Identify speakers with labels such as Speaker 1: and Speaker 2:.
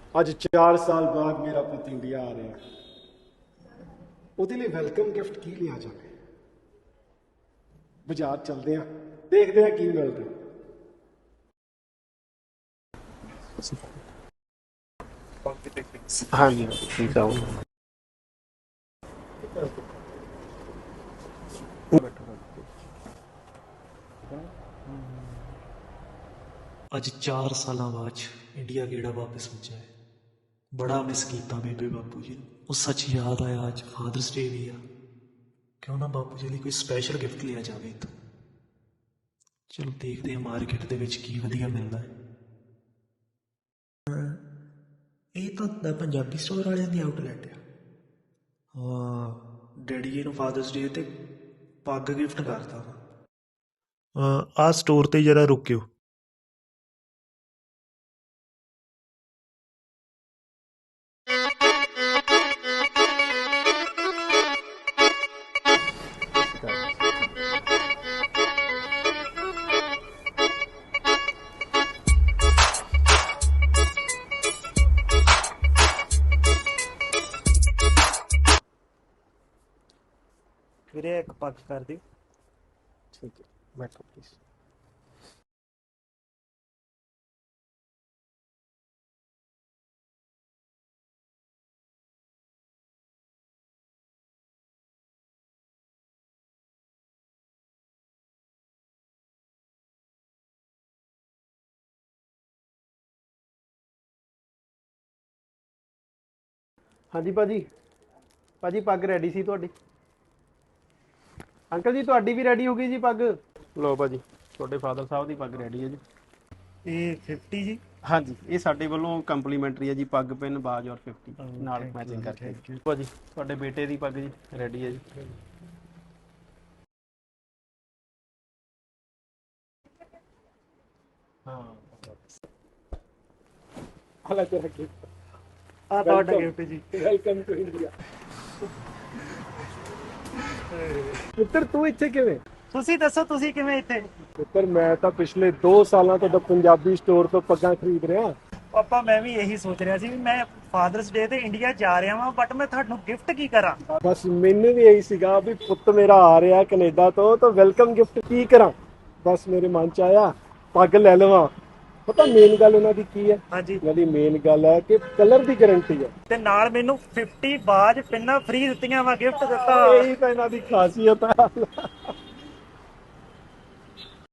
Speaker 1: ਅੱਜ 4 ਸਾਲ ਬਾਅਦ ਮੇਰਾ ਪੁੱਤ ਇੰਡੀਆ ਆ ਰਿਹਾ। ਉਹਦੇ ਲਈ ਵੈਲਕਮ ਗਿਫਟ ਕੀ ਲਿਆ ਜਾਵੇ? ਬਾਜ਼ਾਰ ਚਲਦੇ ਆ, ਦੇਖਦੇ ਆ ਕੀ ਮਿਲਦਾ। ਹਾਂਜੀ ਠੀਕ ਆ।
Speaker 2: ਅੱਜ 4 ਸਾਲਾਂ ਬਾਅਦ ਇੰਡੀਆ ਗੇੜਾ ਵਾਪਸ ਵੱਜਾ ਹੈ। ਬੜਾ ਮਿਸ ਕੀਤਾ ਬੇਬੇ ਬਾਪੂ ਜੀ ਨੂੰ। ਉਹ ਸੱਚ ਯਾਦ ਆਇਆ ਅੱਜ ਫਾਦਰਸ ਡੇ ਵੀ ਆ। ਕਿਉਂ ਨਾ ਬਾਪੂ ਜੀ ਲਈ ਕੋਈ ਸਪੈਸ਼ਲ ਗਿਫਟ ਲਿਆ ਜਾਵੇ ਇੱਥੋਂ। ਚਲੋ ਦੇਖਦੇ ਹਾਂ ਮਾਰਕੀਟ ਦੇ ਵਿੱਚ ਕੀ ਵਧੀਆ ਮਿਲਦਾ ਹੈ। ਇਹ ਤਾਂ ਪੰਜਾਬੀ ਸਟੋਰ ਵਾਲਿਆਂ ਦੀ ਆਊਟਲੈਟ ਆ। ਹਾਂ, ਡੈਡੀ ਜੀ ਨੂੰ ਫਾਦਰਸ ਡੇ ਤੇ ਪੱਗ ਗਿਫਟ ਕਰਤਾ ਵਾ। ਆਹ ਸਟੋਰ ਤੇ ਜਰਾ ਰੁਕਿਓ। ਵੀਰੇ ਇੱਕ ਪੱਗ ਕਰ ਦਿਓ।
Speaker 1: ਠੀਕ ਹੈ, ਬੈਠੋ ਪਲੀਜ਼।
Speaker 3: ਹਾਂਜੀ ਭਾਜੀ, ਭਾਜੀ ਪੱਗ ਰੈਡੀ ਸੀ ਤੁਹਾਡੀ। ਅੰਕਲ ਜੀ ਤੁਹਾਡੀ ਵੀ ਰੈਡੀ ਹੋ ਗਈ ਜੀ ਪੱਗ। ਲਓ ਭਾਜੀ, ਤੁਹਾਡੇ ਫਾਦਰ ਸਾਹਿਬ ਦੀ ਪੱਗ ਰੈਡੀ ਹੈ ਜੀ।
Speaker 2: ਇਹ 50 ਜੀ।
Speaker 3: ਹਾਂਜੀ, ਇਹ ਸਾਡੇ ਵੱਲੋਂ ਕੰਪਲੀਮੈਂਟਰੀ ਹੈ ਜੀ, ਪੱਗ ਪਿੰਨ ਬਾਜ ਔਰ 50 ਨਾਲ ਮੈਚਿੰਗ ਕਰਕੇ। ਭਾਜੀ ਤੁਹਾਡੇ ਬੇਟੇ ਦੀ ਪੱਗ ਜੀ ਰੈਡੀ ਹੈ ਜੀ।
Speaker 1: ਹਾਂ, ਹਾਲਾ ਤੇਰਾ ਗਿਫਟ।
Speaker 2: ਆ ਤੁਹਾਡਾ ਗਿਫਟ ਜੀ।
Speaker 1: Welcome to India. ਪੁੱਤਰ ਤੂੰ ਇੱਥੇ ਕਿਵੇਂ?
Speaker 2: ਤੁਸੀਂ ਦੱਸੋ ਤੁਸੀਂ ਕਿਵੇਂ ਇੱਥੇ?
Speaker 1: ਪੁੱਤਰ ਮੈਂ ਤਾਂ ਪਿਛਲੇ 2 ਸਾਲਾਂ ਤੋਂ ਪੰਜਾਬੀ ਸਟੋਰ ਤੋਂ ਪੱਗਾਂ ਖਰੀਦ ਰਿਹਾ।
Speaker 2: ਪਾਪਾ ਮੈਂ ਵੀ ਇਹੀ ਸੋਚ ਰਿਹਾ ਸੀ ਵੀ ਮੈਂ ਫਾਦਰਸ ਡੇ ਤੇ ਇੰਡੀਆ ਜਾ ਰਿਹਾ ਵਾਂ, ਬਟ ਮੈਂ ਤੁਹਾਨੂੰ ਗਿਫਟ ਕੀ ਕਰਾਂ।
Speaker 1: ਬਸ ਮੈਨੂੰ ਵੀ ਇਹੀ ਸੀਗਾ ਵੀ ਪੁੱਤ ਮੇਰਾ ਆ ਰਿਹਾ ਕੈਨੇਡਾ ਤੋਂ, ਤਾਂ ਵੈਲਕਮ ਗਿਫਟ ਕੀ ਕਰਾਂ। ਬਸ ਮੇਰੇ ਮਨ ਚ ਆਇਆ ਪੱਗ ਲੈ ਲਵਾਂ। ਪਤਾ ਮੇਨ ਗੱਲ ਉਹਨਾਂ ਦੀ ਕੀ ਹੈ?
Speaker 2: ਹਾਂਜੀ।
Speaker 1: ਉਹਨਾਂ ਦੀ ਮੇਨ ਗੱਲ ਹੈ ਕਿ ਕਲਰ ਦੀ ਗਾਰੰਟੀ ਹੈ
Speaker 2: ਤੇ ਨਾਲ ਮੈਨੂੰ 50 ਬਾਜ ਪਿੰਨਾਂ ਫ੍ਰੀ ਦਿੱਤੀਆਂ ਵਾ, ਗਿਫਟ ਦਿੱਤਾ।
Speaker 1: ਇਹੀ ਤਾਂ ਇਹਨਾਂ ਦੀ ਖਾਸੀਅਤ ਹੈ।